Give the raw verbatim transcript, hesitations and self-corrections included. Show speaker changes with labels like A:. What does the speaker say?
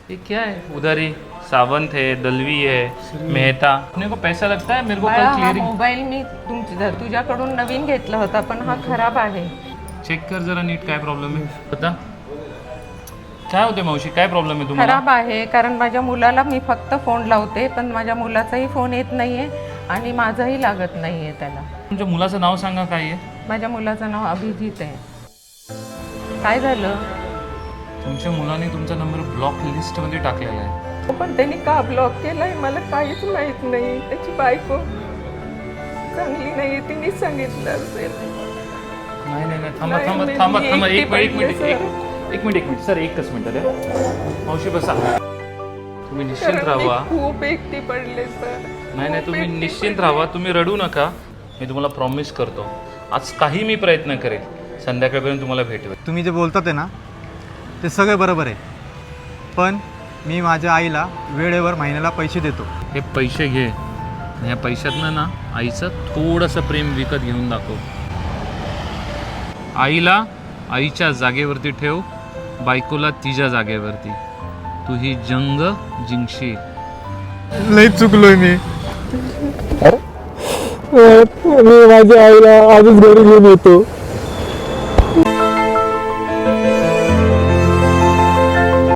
A: ये क्या है? उधारी सावंत है, दलवी है, मेहता। अपने को पैसा लगता है, मेरे को कल
B: हा
A: क्लियरिंग।
B: मोबाईल मी तुमच्या तुझ्याकडून नवीन घेतला होता पण हा खराब आहे.
A: चेक कर जरा नीट काय प्रॉब्लेम आहे बता. काय होते मावशी, काय प्रॉब्लेम आहे तुम्हाला?
B: खराब आहे कारण माझ्या मुलाला मी फक्त फोन लावते पण माझ्या मुलाचाही फोन येत नाहीये आणि माझाही लागत नाहीये त्याला.
A: तुमच्या मुलाचं नाव सांगा काय आहे?
B: माझ्या मुलाचं नाव अभिजित आहे. काय झालं?
A: तुमच्या मुलाने तुमचा नंबर ब्लॉक लिस्टमध्ये टाकलेला आहे.
B: पण त्यांनी का ब्लॉक केलाय मला काहीच माहित नाही. त्याची बायको चांगली नाही तिने सांगितलं असेल.
A: नाही नाही नाही थांबा
B: नाही,
A: थांबा
B: मी-
A: थांबा
B: मी
A: थांबा एक
B: एकटी
A: मिनिट एक मिनिट
B: पडले,
A: एक एक मिनिट एक मिनिट सर एकच मिनिट द्या. मावशी बसा. तुम्ही निश्चिंत
B: कारण मी
A: राहा.
B: खूप एकटी पडले सर.
A: नाही नाही
B: खूप
A: तुम्ही
B: एकटी
A: निश्चिंत
B: पडले.
A: राहा. तुम्ही रडू नका. मी तुम्हाला प्रॉमिस करतो आज काही मी प्रयत्न करेल संध्याकाळपर्यंत तुम्हाला भेटवेल.
C: तुम्ही जे बोलतात आहे ना ते सगळे बरोबर आहे, पण मी माझ्या आईला वेळेवर महिन्याला पैसे देतो.
A: हे पैसे घे आणि या पैशातनं ना आईचं थोडंसं प्रेम विकत घेऊन दाखव. आईला आईच्या जागेवरती ठेव, बायकोला तिच्या जागेवरती. तू ही जंग जिंकशील.
C: लई चुकलोय मी. मी माझ्या आईला आजच घरी घेऊन येतो.